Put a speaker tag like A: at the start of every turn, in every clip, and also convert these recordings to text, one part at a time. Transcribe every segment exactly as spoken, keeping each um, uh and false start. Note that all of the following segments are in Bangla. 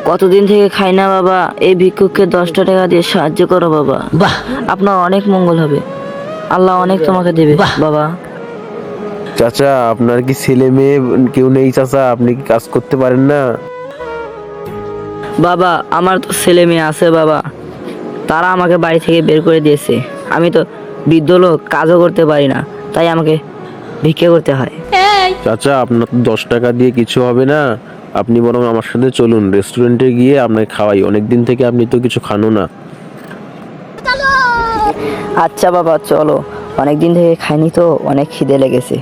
A: কতদিন থেকে খাই না বাবা, এই ভিক্ষুককে দশটা টাকা দিয়ে সাহায্য করো বাবা।
B: বাহ
A: আপনার অনেক মঙ্গল হবে, আল্লাহ অনেক তোমাকে দেবে
B: বাহ।
A: বাবা।
C: চাচা, আপনার কি ছেলে মেয়ে কেউ নেই চাচা? আপনি কি কাজ করতে পারেন না?
A: বাবা আমার তো ছেলে মেয়ে আছে বাবা, তারা আমাকে বাড়ি থেকে বের করে দিয়েছে। আমি তো বৃদ্ধ লোক, কাজও করতে পারি না, তাই আমাকে ভিক্ষা করতে হয়।
C: চাচা, আপনার তো দশ টাকা দিয়ে কিছু হবে না। আপনি বরং আমার সাথে চলুন, রেস্টুরেন্টে গিয়ে আপনাকে খাওয়াই। অনেক দিন থেকে আপনি তো কিছু খানো না।
A: আচ্ছা বাবা চলো, অনেক দিন থেকে খাইনি তো, অনেক খিদে লেগেছে।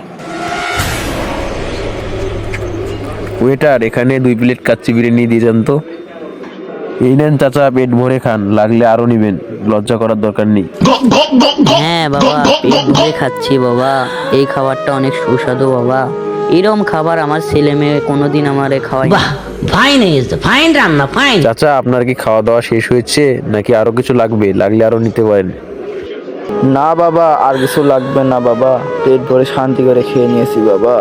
C: ওয়েটার, এখানে দুই প্লেট কাচ্চি বিরিয়ানি দিয়ে যান তো। এই নেন চাচা, পেট ভরে খান, লাগলে আরো নিবেন, লজ্জা করার দরকার নেই।
D: হ্যাঁ বাবা, পেট ভরে খাচ্ছি বাবা। এই খাবারটা অনেক সুস্বাদু বাবা। এরকম খাবার আমার ছেলে মেয়ে কোনোদিন আমারে খাওয়ায় না।
B: বাহ, ফাইন হয়েছে, ফাইন রান্না, ফাইন।
C: চাচা, আপনার কি খাওয়া দাওয়া শেষ হয়েছে নাকি আরো কিছু লাগবে? লাগলে আরো নিতে পারেন।
E: না বাবা, আর কিছু লাগবে না বাবা, পেট ভরে শান্তি করে খেয়ে নিয়েছি বাবা।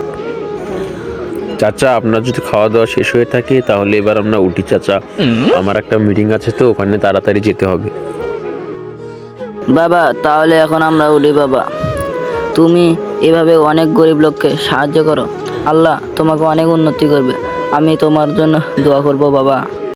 C: চাচা, আপনার যদি খাওয়া দাওয়া শেষ হয়ে থাকে তাহলে এবার আমরা উঠি চাচা। আমার একটা মিটিং আছে তো, ওখানে তাড়াতাড়ি যেতে হবে।
A: বাবা তাহলে এখন আমরা উঠি বাবা। তুমি এভাবে অনেক গরিব লোককে সাহায্য করো, আল্লাহ তোমাকে অনেক উন্নতি করবে। আমি তোমার জন্য দোয়া করব বাবা।